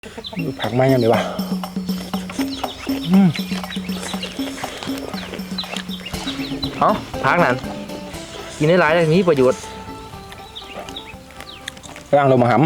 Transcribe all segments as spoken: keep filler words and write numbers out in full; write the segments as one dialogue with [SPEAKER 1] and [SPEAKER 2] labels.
[SPEAKER 1] ผักไม้ยังไงวะ
[SPEAKER 2] เอ้าพักนั่นกินได้หลายเลยมีประโยชน์
[SPEAKER 1] ร่างลงมาห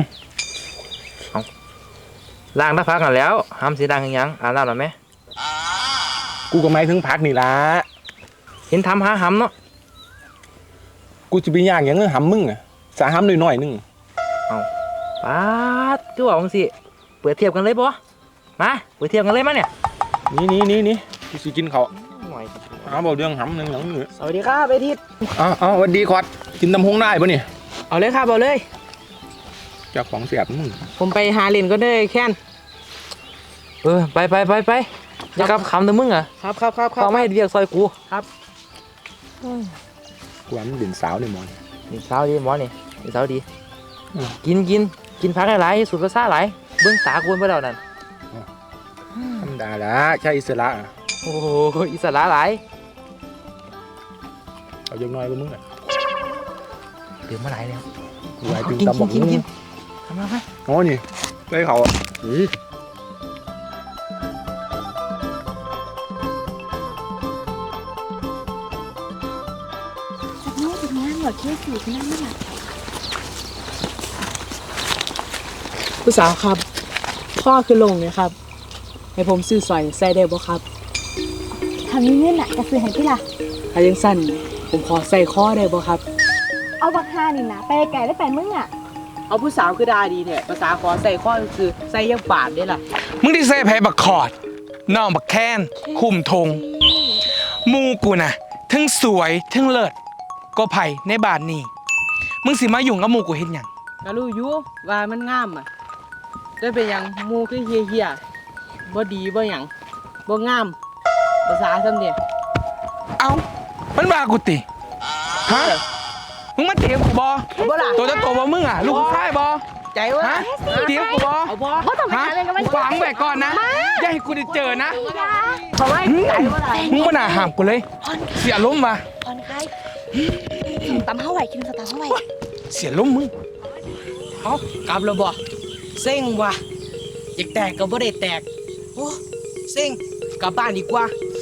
[SPEAKER 2] ำล้างถ้าพักกันแล้วห้ำสีดังยังอ่านแล้วหรือไหม
[SPEAKER 1] กูก็ไม่ถึงผักนี่ละ
[SPEAKER 2] เห็นทำหาห้ำเนาะ
[SPEAKER 1] กูจะไปย่างอย่างเงี้ยหำมึงอ่ะสาหำหน่อยๆนึง
[SPEAKER 2] เอาปาดก็บอกมึงสิเปิดเทียบกันเลยปะมาเปิดเทียบกันเลยมั้ยเนี่ย
[SPEAKER 1] นี่นี่นี่นี่กูสิกินเขา
[SPEAKER 2] หน่อย
[SPEAKER 1] เอาบอกเรื่องหำหนึ่งหลังหนึ่ง
[SPEAKER 3] สวัสดีครับไอทิศ
[SPEAKER 1] อ๋ออ๋อวันดีคอดกินตำฮงได้ปะเนี่ย
[SPEAKER 3] เอาเลยครับเอาเลย
[SPEAKER 1] จากของเสียบมึง
[SPEAKER 3] ผมไปหาเล่นก็ได้แค่น
[SPEAKER 2] เออไปไปไปไปจะกลับคำเดิมมึงอ่ะ
[SPEAKER 3] ครับครับครับ
[SPEAKER 2] เขาไม่ให้เรียกซอยกู
[SPEAKER 3] ครับ
[SPEAKER 1] กูว่ามันเด่นสาวเลยมอน
[SPEAKER 2] นี่สาวดีหมอนี่นี่สาวดีกินกินกินพักหลายๆสุดภาษาหลายเบื้องตากวนไปแล้วนั่น
[SPEAKER 1] ธรรมดาละใช่อิสระ
[SPEAKER 2] โอ้โหอิสระหลาย
[SPEAKER 1] เอาอย่างน้อยก็มึงอ่ะ
[SPEAKER 2] เดี๋ยวมาหลายแล้ว
[SPEAKER 1] กูไปถึงตำบักมึง
[SPEAKER 2] ทำมาไหม
[SPEAKER 1] โอ้นี่ไปเขาอือ
[SPEAKER 4] หมดที่สูตรนั่นน่ะ
[SPEAKER 3] ผู้สาวครับพ่อคือลงเนี่ยครับให้ผมซื้อสอยใส่ได้บ่ครับ
[SPEAKER 4] ทำนี้เงินน่ะจะซื้อให้พี่ล่ะ
[SPEAKER 3] ถ้ายังสั้นผมขอใส่ข้อได้บ่ครับ
[SPEAKER 4] เอาบักฮานี่นะไปไกลได้ไปมึงอ่ะ
[SPEAKER 3] เอาผู้สาวคือดาดีแท้ภาษาขอใส่ข้อคือใส่ยังบาดได้ล่ะ
[SPEAKER 5] มึงที่ใส่ไผบักคอดน้องบักแค้นคุ้มทงมูกูน่ะทั้งสวยทั้งเลิศก็ไผ่ในบาทนี้มึงสิมายุ่งกับหมูกูเห็นหยัง
[SPEAKER 3] ก็รู้อยู่ว่ามันงามอ่ะได้เป็นยังมูคือเฮียๆบ่ดีบ่หยังบ่งามภาษาซ้ำเนี่ย
[SPEAKER 5] เอ้ามันว่ากูติฮะมึงมาเถียงกูบ่ตัวจะโตบ่มึงอ่ะลูกชายบ่
[SPEAKER 3] ใจวะ
[SPEAKER 5] ฮะเถียงกูบ่
[SPEAKER 4] เอาบ่บ่ต้องไปหาเรื่องกันมัน
[SPEAKER 5] ขวางไว้ก่อนนะอย่าให้กูได้เจอนะ
[SPEAKER 4] เพราะว่าใจว่าอะไร
[SPEAKER 5] มึงบ่น่าห้ามกูเลยเสียล้มมา
[SPEAKER 4] ผ่อนคลายตำเท่าไหร่กินสตาร์เท่าไหร่
[SPEAKER 5] เสียล้มมึง
[SPEAKER 3] เอากลับแล้วบ่เซ็งว่ะอยากแตกก็บ่ได้แตกโอ้เซ็งกลับบ้านดีกว่า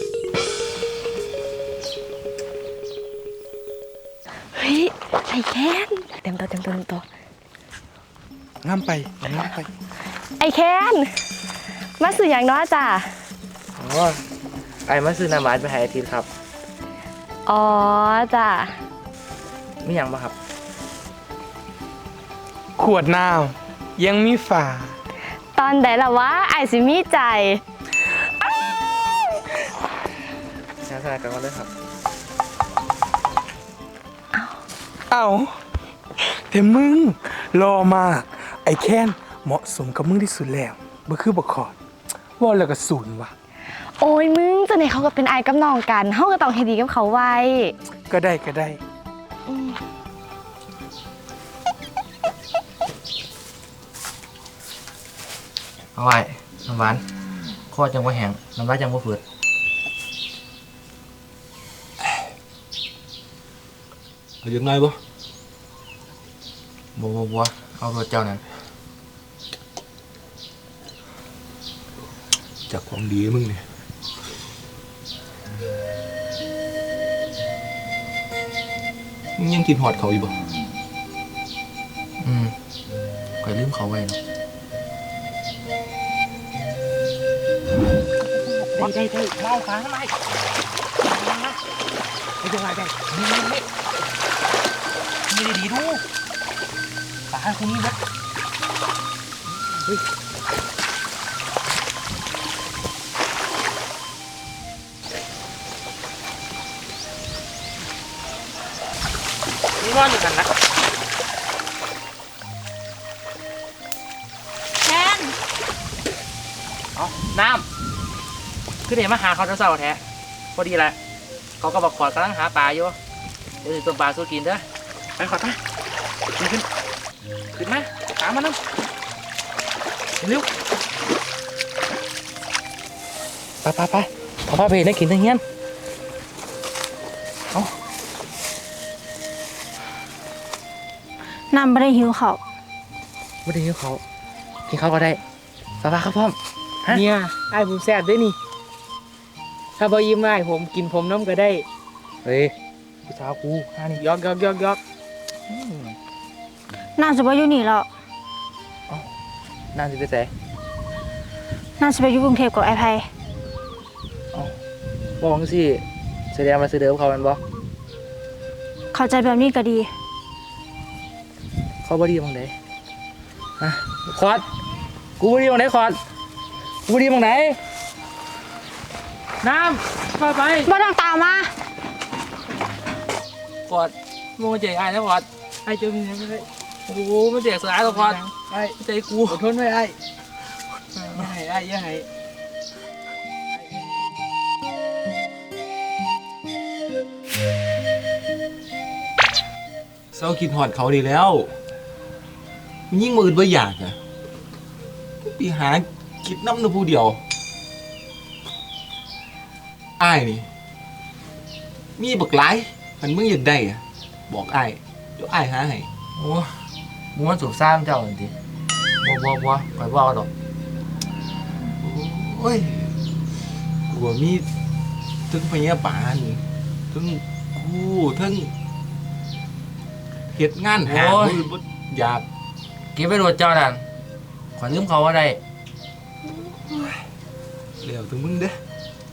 [SPEAKER 4] เฮ้ยไอ้แค้นเต็มตัวเต็มตัวเต็มตัว
[SPEAKER 5] งามไปงามไป
[SPEAKER 4] ไอ้แค้นมาสื่ออย่างน้อยจ้ะ
[SPEAKER 2] อ๋อไอ้มาซื้อน้ำหวานไปให้อาทิตย์ครับ
[SPEAKER 4] อ๋อจ้ะ
[SPEAKER 2] มีอย่างบ้างครับ
[SPEAKER 5] ขวดน้ำยังมีฝา
[SPEAKER 4] ตอนไหนล่ะวะไอ้สิมีใจ
[SPEAKER 2] ใช้สถานการณ์เลยครับ
[SPEAKER 5] เอาแต่มึงรอมากไอ้แค้นเหมาะสมกับมึงที่สุดแล้วบ่คือบ่ขอดว่าแล้วก็ศูนย์ว่ะ
[SPEAKER 4] โอ้ยมึงจะไหนเขาก็เป็นไอ้กับน้องกันเฮาก็ต้องให้ดีกับเขาไว้
[SPEAKER 5] ก็ได้ก็ได้
[SPEAKER 2] เอาไว้น้ำหวานข้อจังว่าแห้งน้ำลายจังว่าฝืด
[SPEAKER 1] เอาอย่างน้อยบ่
[SPEAKER 2] บัวบัวบัวเอาตัวเจ้านั่น
[SPEAKER 1] จากของดีมึงเนี่ยมึงยังกินหอดเขาอยู่บ่
[SPEAKER 2] อืมก็ลืมเขาไว้เนาะ
[SPEAKER 3] ได้ได้ได้มองขาทำไมไม่เป็นไรได้นี่นี่นี่ไม่ได้ดีดูขาคนนี้นะเฮ้ยนี่นอนอยู่กันนะ
[SPEAKER 4] แทน
[SPEAKER 2] เอาน้ำคือเดี๋ยวมาหาเขาจะเศร้าแท้พอดีแหละเขาก็บอกขอดกำลังหาปลาอยู่เดี๋ยวตัวปลาสู้กินเด้อไปขอดมาขึ้นขึ้นขึ้นมาตามมาน้ำเร็วไปไปไปเอาผ้าเพลได้กินทั้งเงี้ยเอา
[SPEAKER 4] น้ำไม่ได้หิวเขา
[SPEAKER 2] ไม่ได้หิวเขากินเขาก็ได้สบายครับพ่อมฮะ
[SPEAKER 3] เนี่ยไอ้ายผมแซ่บด้วยนี่ ถ้าบ่ยิ้มไอ้ายผมกินผมน้ำก็ได้
[SPEAKER 2] เฮ้ยพี่สาวกูฮานี่
[SPEAKER 3] ยอกยอกยอกยอก
[SPEAKER 4] น่าจะไปอยู่นี่แล้ว
[SPEAKER 2] นั่นสิไปใส่
[SPEAKER 4] น่าจะไปอยู่กรุงเทพกับไอ้ไพ
[SPEAKER 2] บอกสิแสดงมาซื้อเดิมเขาแมันบ่
[SPEAKER 4] เข้าใจแบบนี้ก็ดี
[SPEAKER 2] เขาบ่ดีบังไดฮะคอร์ดกูบ่ดีบังไดคอร์ดกูบ่ดีบังไดน้ำไปไป
[SPEAKER 4] บ่ต้องตามมา
[SPEAKER 2] คอร์ดมึงมาเจ๊ไอ้นะคอร์ด
[SPEAKER 3] ไอ้ายเจอมีอะไรไม่ได้
[SPEAKER 2] โอ้โหมันเจ๊สายแล้วคอร์ด
[SPEAKER 3] ไอ้าย
[SPEAKER 2] ใจกู
[SPEAKER 3] อดทนไว้ไอ้ายอย่าให้ไอ้ายอย่าให้
[SPEAKER 1] เศร้าคิดฮอดเขาดีแล้วมันยิ่งมืดบ่อยากอะไปหาคิดน้ำหนูผู้เดียวอ้ายนี่มีบักหลายมันมึงอยากได้อะบอกอ้ายเดี๋ยวอ้ายหาให้
[SPEAKER 2] โอ้มึงมันสูบซ่ามเจ้าจริงบ่บ่บ่คอยบอกดอก
[SPEAKER 1] โอ้ยกูว่ามีถึงพยาบาลถึงกูถึงเฮ็ดงานหามือบ่อยาก
[SPEAKER 2] เก็บไปโดดเจ้านั่นขอลืมเขาว่าได้
[SPEAKER 1] เร็วถึงมึงเด้อ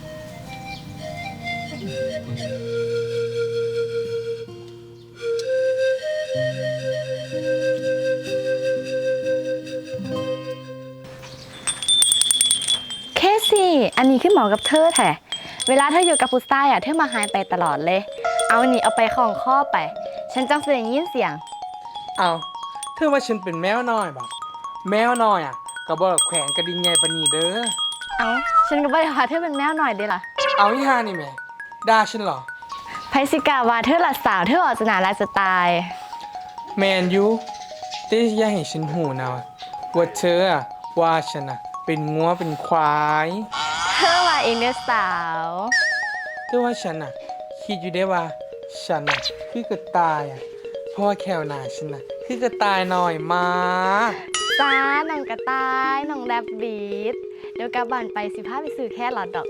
[SPEAKER 4] เคซี่ อันนี้คือเหมาะกับเธอแท้เวลาเธออยู่กับผู้ชายอ่ะเธอมาหายไปตลอดเลย เอาอันนี้เอาไปของข้อไป ฉันจังเสียงยินเสียง
[SPEAKER 5] เอาเธอว่าฉันเป็นแมวน้อยบ่แมวน้อยอ่ะก็บ่แขวนกระดิ่งใหญ่ปานนี้เด้อ
[SPEAKER 4] เอาฉันก็บ่ได้ว่าเธอเป็นแมวหน่อยเด้ล่ะ
[SPEAKER 5] เอาอีห่านี่แหม่ด่าฉันเหรอ
[SPEAKER 4] ไพสิกาว่าเธอละสาวเธอออกจะน่ารักจะตาย
[SPEAKER 5] แมนยูแต่อย่าให้ฉันหูนะว่าเธออะว่าฉันอะเป็นงัวเป็นควาย
[SPEAKER 4] เธอว่าเองเด้อสาว
[SPEAKER 5] แต่ว่าฉันอะคิดอยู่ได้ว่าฉันอะคือกระต่ายอะเพราะว่าแควหนาฉันอะคือกระต่ายหน่อยมาก
[SPEAKER 4] จ้าน้องกระต่ายน้องแรบบีดเดี๋ยวกลับบ้านไปสิพาไปซื้อแค่หลอดดอก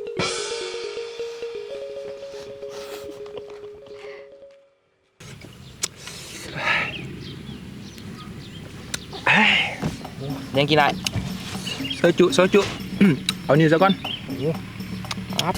[SPEAKER 2] เลี้ยงกินได้
[SPEAKER 1] โซจุโซจุ เอานี่ซะก่อน
[SPEAKER 2] ครับ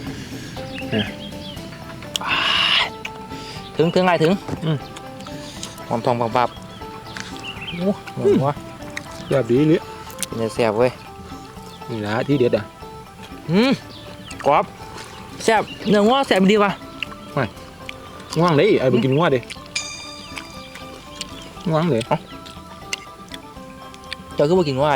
[SPEAKER 2] ถึงถึงไงถึง
[SPEAKER 1] อืม
[SPEAKER 2] หอมทองปับปับโอ้หอมวะ
[SPEAKER 1] แบบดีเลย
[SPEAKER 2] เป็นจะแซ่บเว้ย
[SPEAKER 1] นี่นะที่เด็ดอ่ะ
[SPEAKER 2] อืมกรอบแซ่บเนื้อง้อแซ่บดีว่ะ
[SPEAKER 1] ง่วงเลยไอ้ไปกินง่วงดิง่วงเลย
[SPEAKER 2] เจ้าคือบ่กินง้อไอ้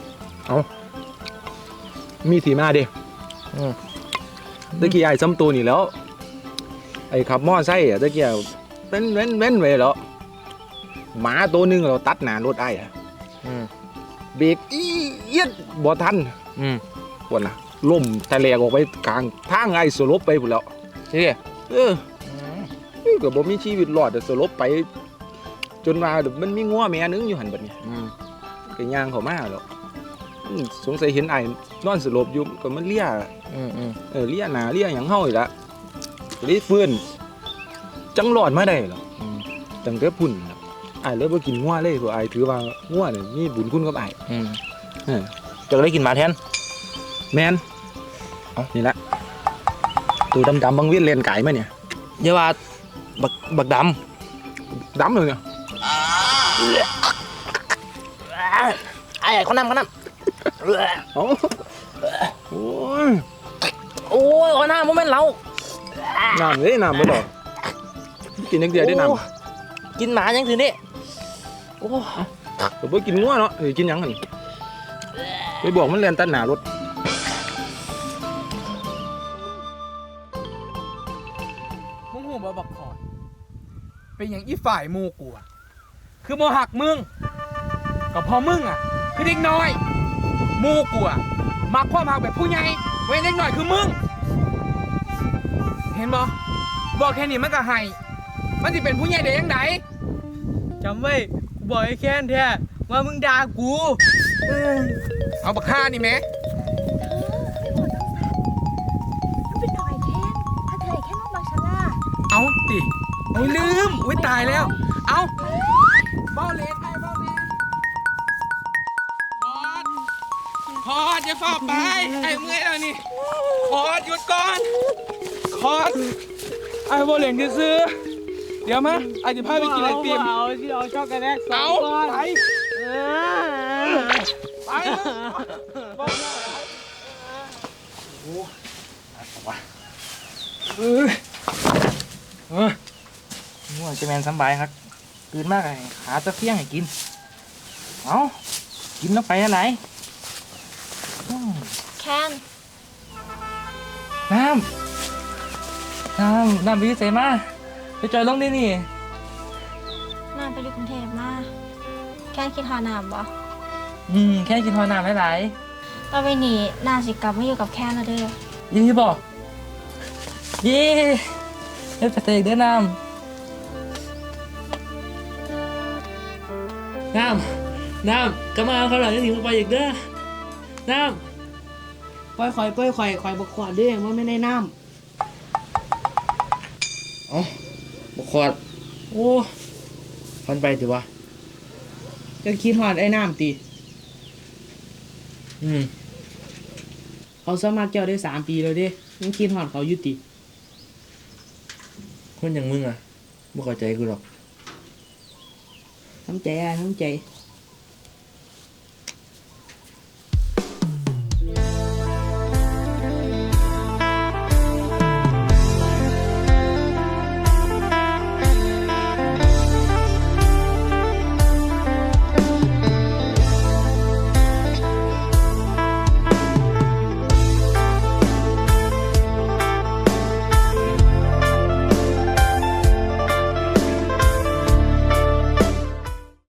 [SPEAKER 1] มีทีมาดิ
[SPEAKER 2] อืม
[SPEAKER 1] ตะกี้ไอ้ซ้ำตัวนี่แล้ว ไอ้ขับมอไซค์อ่ะตะกี้เว้นเว้นเว้นไว้แล้วหมาตัวหนึงเราตัดหน้ารถไอ้อะ
[SPEAKER 2] อืม
[SPEAKER 1] เบรกอีเอียดบ่ทัน
[SPEAKER 2] อืม
[SPEAKER 1] วันน่ะล่มทะเลออกไปกลางทางไอ้สลบไปพุ่นแล้ว
[SPEAKER 2] ใช่ดิ
[SPEAKER 1] เออก็บ่มีชีวิตรอดแต่สลบไป จนว่ามันมีงัวแม่นึงอยู่หันบัดนี้
[SPEAKER 2] อืม
[SPEAKER 1] ก็ย่างเข้ามาแล้วอืมสงสัยเห็นไอ้นอนสลบอยู่ก็มันเลีย
[SPEAKER 2] อืมอืม
[SPEAKER 1] เออเลียหน้าเลียหยังเฮาอีกละก็เลยฟื้นจังรอดมาได้หรอ
[SPEAKER 2] อืม
[SPEAKER 1] ตั้งแต่พุ่นน่ะอ้ายเลยบ่กินงัวเลยเพราะอ้ายถือว่างัวนี่มีบุญคุณกับอ้าย
[SPEAKER 2] อืม
[SPEAKER 1] เออ
[SPEAKER 2] เจ้าก็เลยกินหมาแทน
[SPEAKER 1] แม่นเอานี่ละตัวดำๆบางเวียนเลนไก่มาเนี่ย
[SPEAKER 2] เดี๋ยวว่าบักบักด
[SPEAKER 1] ดำเลยเนี่ย
[SPEAKER 2] ำไอ้เขานำเขานำ
[SPEAKER 1] เอ้าโอ้ย
[SPEAKER 2] โอ้ยเขานำมันเป็นเรา
[SPEAKER 1] น้ำเลยน้ำบ่ดอกกินจังเดียวได้น้ำ
[SPEAKER 2] โอ้กินหมายังสินี่โอ้
[SPEAKER 1] ก็บ่กินงัวเนาะเออกินหยังหั่นไปบอกมันเรียนตัดหน้ารถ
[SPEAKER 5] มึงหูบ่บักขอดเป็นอย่างอีฝ่ายหมูกูอะคือบ่หักมึงก็เพอมึงอ่ะ คือเด็กน้อยหมูกูอะมักความหักแบบผู้ใหญ่เว้นเด็กน้อยคือมึง เห็นบ่บอกแค่นี้มันก็ให้มันสิเป็นผู้ใหญ่ได้ยังไง
[SPEAKER 3] จำไว้กูบอกไอ้แค้นแท้ว่ามึงด่ากู
[SPEAKER 5] เอ้ยเอาบักฆ่านี่ไหม
[SPEAKER 4] มันเป็นหน่อยแค่ถ้าเธอแค่นอกบางชะล่า
[SPEAKER 5] เอาติโอ้ยลืมอุ้ยตายแล้ว เอาเบ้าเลนไอ้เบ้าเลนพอดพอดอย่าฝ่าไปไอ้เมื่อยแล้วนี่พอดหยุดก่อนพอดไอ้เบ้าเลนจะซื้อเดี๋ยวมาไอ้จะพาไปกินไอติม
[SPEAKER 3] เอาสิเอาช็อกโกแลตสอ
[SPEAKER 5] เอา
[SPEAKER 3] งก้อน
[SPEAKER 5] ไป
[SPEAKER 3] เออ
[SPEAKER 5] ไปเลยบอกเลย
[SPEAKER 2] เออเออง่วงจะแมนสำบายครับตื่นมากไอ้หาตะเฟียงให้กินเอากินแล้วไปอะไรอืม
[SPEAKER 4] แคน
[SPEAKER 2] น้ำน้ำน้ำไปอยุ่ใส่มาไปจอยลงดินี่
[SPEAKER 4] น่าไปอยู่กรุงเทพมาแคนคิดหาน้ำบ่
[SPEAKER 2] อืมแค่กินทอน้ำหลาย
[SPEAKER 4] ต่อไปนี้น่าสิกลับมาอยู่กับแคนแล้วเด้อ
[SPEAKER 2] ๆยี่บอกเยี่เฮ้ยไปเตะเด้อน้ำน้ำน้ำกลับมาเอาเขาหลังจะถึงไปอีกเด้อน้ำ
[SPEAKER 3] ปล่อยข่อยปล่อยข่อยข่อยบ่ขวดเด้ว่าไม่ได้น้
[SPEAKER 2] เอาบกขวดโอ้พันไปถือวะ
[SPEAKER 3] ำจะคิดฮอดไอ้น้ำติ
[SPEAKER 2] อืม
[SPEAKER 3] เขาสมัครเจ้าได้สามปีแล้วเด้ยังคิดฮอดเขาอยู่ติ
[SPEAKER 2] คนอย่างมึงอ่ะบ่เข้าใจกูหรอก
[SPEAKER 3] น้ำใจอ่ะน้ำใจ